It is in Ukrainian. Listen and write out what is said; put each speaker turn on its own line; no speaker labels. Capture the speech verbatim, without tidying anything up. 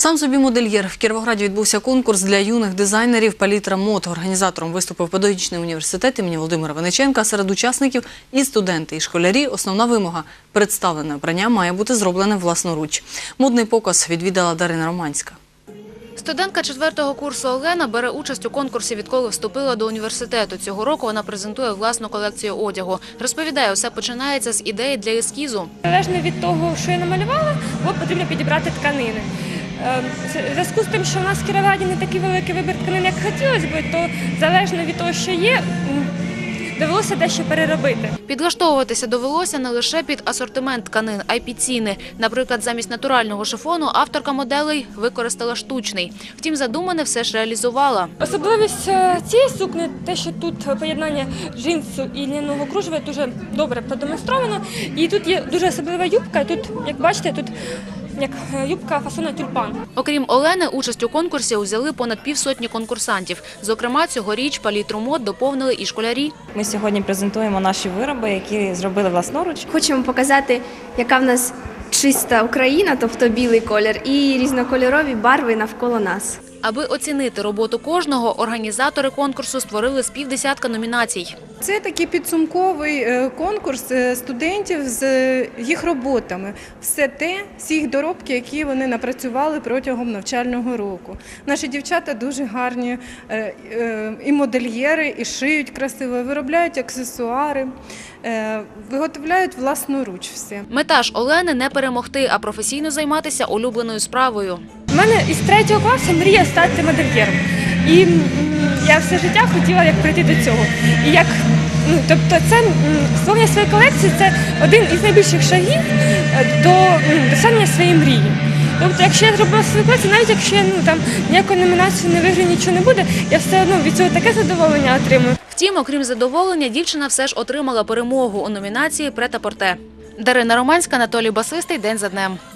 Сам собі модельєр. В Кіровограді відбувся конкурс для юних дизайнерів «Палітра мод». Організатором виступив педагогічний університет імені Володимира Винниченка. Серед учасників і студенти, і школярі. Основна вимога – представлене обрання має бути зроблене власноруч. Модний показ відвідала Дарина Романська.
Студентка четвертого курсу Олена бере участь у конкурсі, відколи вступила до університету. Цього року вона презентує власну колекцію одягу. Розповідає, усе починається з ідеї для ескізу.
Залежно від того, що я намалювала, потрібно підібрати тканини. В зв'язку з тим, що в нас в Кіровограді не такий великий вибір тканин, як хотілося б, то залежно від того, що є, довелося дещо переробити.
Підлаштовуватися довелося не лише під асортимент тканин, а й під ціни. Наприклад, замість натурального шифону авторка моделей використала штучний. Втім, задумане все ж реалізувала.
Особливість цієї сукні – те, що тут поєднання джинсу і льняного кружева дуже добре продемонстровано. І тут є дуже особлива юбка, тут, як бачите, тут як юбка фасону тюльпан.
Окрім Олени, участь у конкурсі взяли понад півсотні конкурсантів. Зокрема, цьогоріч палітру мод доповнили і школярі.
Ми сьогодні презентуємо наші вироби, які зробили власноруч.
Хочемо показати, яка в нас чиста Україна, тобто білий колір, і різнокольорові барви навколо нас.
Аби оцінити роботу кожного, організатори конкурсу створили з півдесятка номінацій.
Це такий підсумковий конкурс студентів з їх роботами. Все те, всі їх доробки, які вони напрацювали протягом навчального року. Наші дівчата дуже гарні і модельєри, і шиють красиво, виробляють аксесуари, виготовляють власноруч все.
Мета ж Олени – не перемогти, а професійно займатися улюбленою справою.
У мене із третього класу мрія стати модельєром. І я все життя хотіла як прийти до цього. І як, ну, тобто це створення своєї колекції – це один із найбільших шагів до досягнення своєї мрії. Тобто, якщо я зробила свою колекцію, навіть якщо я ну, там, ніякої номінації не виграю, нічого не буде, я все одно від цього таке задоволення отримую.
Втім, окрім задоволення, дівчина все ж отримала перемогу у номінації «Прет-а-порте». Дарина Романська, Анатолій Басистий. День за днем.